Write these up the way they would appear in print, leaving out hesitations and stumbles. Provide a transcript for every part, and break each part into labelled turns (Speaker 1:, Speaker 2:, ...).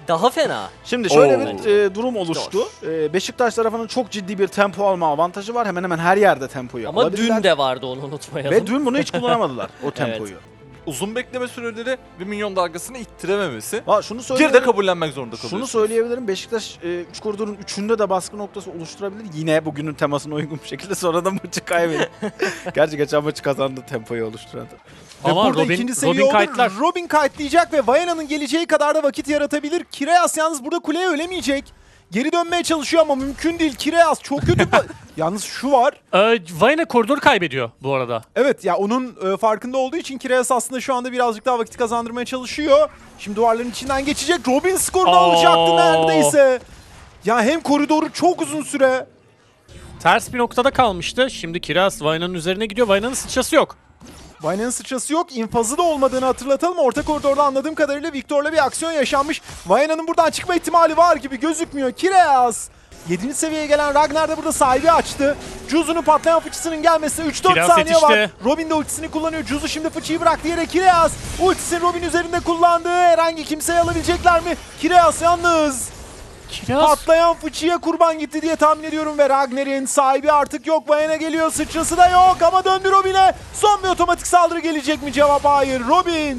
Speaker 1: daha fena.
Speaker 2: Şimdi şöyle
Speaker 3: Oo.
Speaker 2: bir durum oluştu. Beşiktaş tarafının çok ciddi bir tempo alma avantajı var. Hemen hemen her yerde tempoyu
Speaker 1: Ama
Speaker 2: alabilirler.
Speaker 1: dün de vardı, onu unutmayalım.
Speaker 2: Ve dün bunu hiç kullanamadılar o tempoyu.
Speaker 3: Uzun bekleme süreleri ve minyon dalgasını ittirememesi.
Speaker 2: Şunu
Speaker 3: Bir de
Speaker 2: söyleyebilirim.
Speaker 3: kabullenmek zorunda kalıyorsunuz.
Speaker 2: Şunu söyleyebilirim. Beşiktaş 3 koridorun 3'ünde de baskı noktası oluşturabilir. Yine bugünün temasına uygun bir şekilde sonra da maçı kaybedip. Gerçi geçen maçı kazandı tempoyu oluşturan.
Speaker 4: Ve
Speaker 5: Ama
Speaker 4: burada
Speaker 5: Robin,
Speaker 4: ikinci seviye
Speaker 5: Robin
Speaker 4: oldu.
Speaker 5: kayıtlar.
Speaker 4: Robin kayıtlayacak ve Vayana'nın geleceği kadar da vakit yaratabilir. Kireas yalnız burada kuleye ölemeyecek. Geri dönmeye çalışıyor ama mümkün değil. Kireas çok kötü. Yalnız şu var.
Speaker 5: Vayne koridoru kaybediyor bu arada.
Speaker 4: Evet ya onun farkında olduğu için Kireas aslında şu anda birazcık daha vakit kazandırmaya çalışıyor. Şimdi duvarların içinden geçecek. Robin skorunu alacaktı neredeyse. Ya hem koridoru çok uzun süre.
Speaker 5: Ters bir noktada kalmıştı. Şimdi Kiraz Vayna'nın üzerine gidiyor. Vayna'nın sıçrası yok.
Speaker 4: Vayna'nın sıçrası yok. İnfazı da olmadığını hatırlatalım. Orta koridorda anladığım kadarıyla Victor'la bir aksiyon yaşanmış. Vayna'nın buradan çıkma ihtimali var gibi gözükmüyor. Kireas 7. seviyeye gelen Ragnar da burada sahibi açtı. Juzu'nun patlayan fıçısının gelmesine 3-4
Speaker 5: Kireas
Speaker 4: saniye var.
Speaker 5: yetişti.
Speaker 4: Robin de ultisini kullanıyor. Juzu şimdi fıçıyı bıraktı yere. Kireas ultisini Robin üzerinde kullandı. Herhangi kimseyi alabilecekler mi? Kireas yalnız.
Speaker 5: Kiraz
Speaker 4: Patlayan fıçıya kurban gitti diye tahmin ediyorum ve Ragnar'ın sahibi artık yok. Vayne geliyor, sıçrası da yok ama döndü Robin'e. Son bir otomatik saldırı gelecek mi? Cevap hayır. Robin.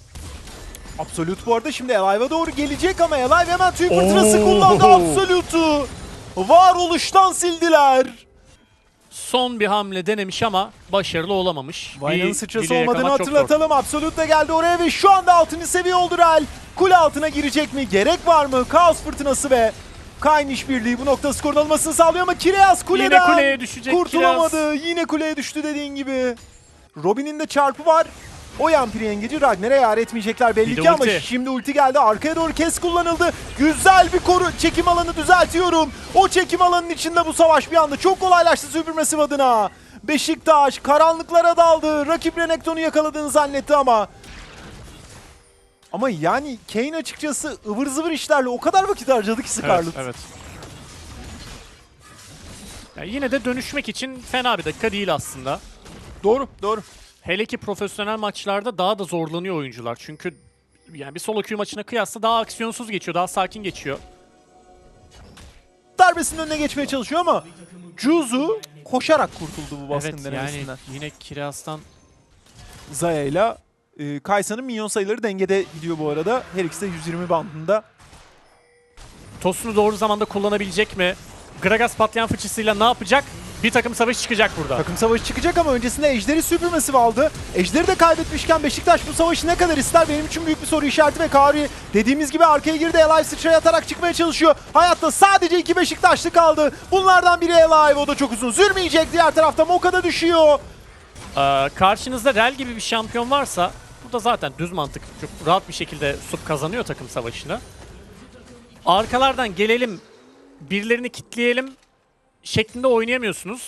Speaker 4: Absolute bu arada şimdi Alive'a doğru gelecek ama Alive hemen tüy fırtınası kullandı Absolute'u. Varoluştan sildiler.
Speaker 5: son bir hamle denemiş ama başarılı olamamış.
Speaker 4: Vayna'nın
Speaker 5: Bir
Speaker 4: sıçrası
Speaker 5: dileğe
Speaker 4: olmadığını
Speaker 5: yakalamak çok zor.
Speaker 4: hatırlatalım. Absolute de geldi oraya ve şu anda 6. seviye oldu Real. Kule altına girecek mi? Gerek var mı? Kaos fırtınası ve Kayn işbirliği bu nokta skorun almasını sağlıyor ama Kireas kuleden
Speaker 5: Yine kuleye düşecek
Speaker 4: kurtulamadı. Yine kuleye düştü dediğin gibi. Robin'in de çarpı var. O yampiri yengeci Ragnar'a yar etmeyecekler belli
Speaker 5: Bir de
Speaker 4: ki ama
Speaker 5: ulti.
Speaker 4: şimdi ulti geldi. Arkaya doğru kes kullanıldı. Güzel bir çekim alanı düzeltiyorum. O çekim alanının içinde bu savaş bir anda çok kolaylaştı Supermassive adına. Beşiktaş karanlıklara daldı. Rakip Renekton'u yakaladığını zannetti ama yani Kayn açıkçası ıvır zıvır işlerle o kadar vakit harcadı ki Scarlet.
Speaker 5: Evet. Ya yine de dönüşmek için fena bir dakika değil aslında.
Speaker 4: Doğru, doğru.
Speaker 5: Hele ki profesyonel maçlarda daha da zorlanıyor oyuncular. Çünkü yani bir solo queue maçına kıyasla daha aksiyonsuz geçiyor, daha sakin geçiyor.
Speaker 4: Darbesinin önüne geçmeye çalışıyor ama Juzu koşarak kurtuldu bu baskın
Speaker 5: Evet
Speaker 4: denemesinden.
Speaker 5: yani yine Kiraz'dan
Speaker 4: Zaya ile Kaysa'nın minyon sayıları dengede gidiyor bu arada. Her ikisi de 120 bandında.
Speaker 5: tosunu doğru zamanda kullanabilecek mi? Gragas patlayan fıçısıyla ne yapacak? Bir takım savaş çıkacak burada.
Speaker 4: Takım savaşı çıkacak ama öncesinde Ejder'i Supermassive aldı. Ejder'i de kaybetmişken Beşiktaş bu savaşı ne kadar ister? Benim için büyük bir soru işareti ve Kari dediğimiz gibi arkaya girdi. Alive sıçraya atarak çıkmaya çalışıyor. Hayatta sadece 2 Beşiktaşlı kaldı. Bunlardan biri Alive, o da çok uzun sürmeyecek. Diğer tarafta Moka'da düşüyor.
Speaker 5: Karşınızda Rel gibi bir şampiyon varsa burada zaten düz mantık çok rahat bir şekilde sup kazanıyor takım savaşını. Arkalardan gelelim, birilerini kitleyelim şeklinde oynayamıyorsunuz.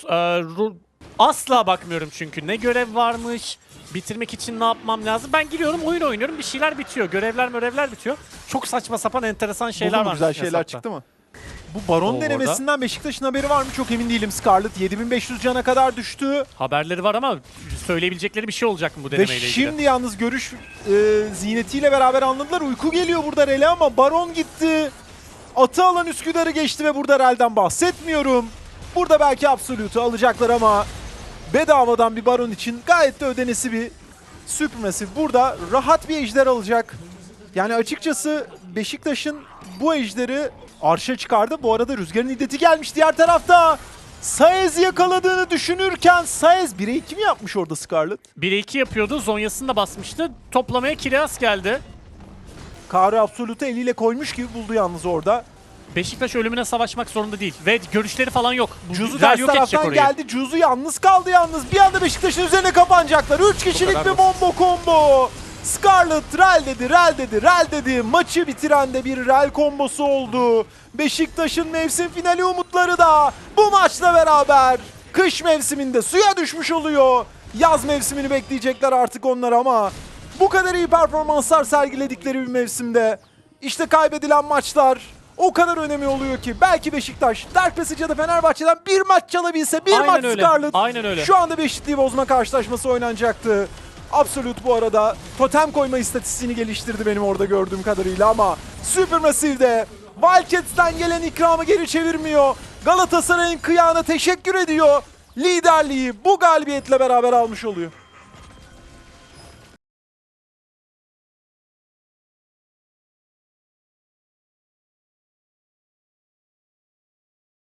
Speaker 5: Asla bakmıyorum çünkü ne görev varmış, bitirmek için ne yapmam lazım. Ben giriyorum, oyun oynuyorum, bir şeyler bitiyor. Görevler bitiyor. Çok saçma sapan enteresan şeyler var.
Speaker 4: Güzel şeyler çıktı mı? Bu Baron
Speaker 5: Oo,
Speaker 4: denemesinden Beşiktaş'ın haberi var mı? Çok emin değilim. Scarlet 7500 cana kadar düştü.
Speaker 5: Haberleri var ama söyleyebilecekleri bir şey olacak mı bu
Speaker 4: Ve
Speaker 5: denemeyle ilgili?
Speaker 4: şimdi yalnız görüş ziynetiyle beraber anladılar. Uyku geliyor burada Rel'e ama Baron gitti. Atı alan Üsküdar'ı geçti ve burada Rel'den bahsetmiyorum. Burada belki Absolute'u alacaklar ama bedavadan bir Baron için gayet de ödenesi bir Supermassive. Burada rahat bir ejder alacak. Yani açıkçası Beşiktaş'ın bu ejderi arşa çıkardı. Bu arada Rüzgar'ın iddeti gelmiş diğer tarafta. Saez yakaladığını düşünürken Saez 1'e 2 mi yapmış orada Scarlet?
Speaker 5: 1'e 2 yapıyordu. Zonya'sını da basmıştı. Toplamaya Kireas geldi.
Speaker 4: Kari Absolute'u eliyle koymuş gibi buldu yalnız orada.
Speaker 5: Beşiktaş ölümüne savaşmak zorunda değil. Ve görüşleri falan yok.
Speaker 4: Juzu
Speaker 5: Rel
Speaker 4: ters
Speaker 5: yok edecek
Speaker 4: taraftan
Speaker 5: orayı.
Speaker 4: geldi. Juzu yalnız kaldı yalnız. Bir anda Beşiktaş'ın üzerine kapanacaklar. 3 kişilik bir combo. Scarlet Rel dedi. Maçı bitiren de bir Rel kombosu oldu. Beşiktaş'ın mevsim finali umutları da bu maçla beraber kış mevsiminde suya düşmüş oluyor. Yaz mevsimini bekleyecekler artık onlar ama bu kadar iyi performanslar sergiledikleri bir mevsimde işte kaybedilen maçlar o kadar önemli oluyor ki belki Beşiktaş Dark Passage ya da Fenerbahçe'den bir maç çalabilse, bir
Speaker 5: Aynen
Speaker 4: maç
Speaker 5: öyle.
Speaker 4: Scarlet
Speaker 5: Aynen öyle.
Speaker 4: şu anda bir eşitliği bozma karşılaşması oynanacaktı. Absolute bu arada totem koyma istatistiğini geliştirdi benim orada gördüğüm kadarıyla ama Supermassive'de Wildcats'ten gelen ikramı geri çevirmiyor. Galatasaray'ın kıyağına teşekkür ediyor. Liderliği bu galibiyetle beraber almış oluyor.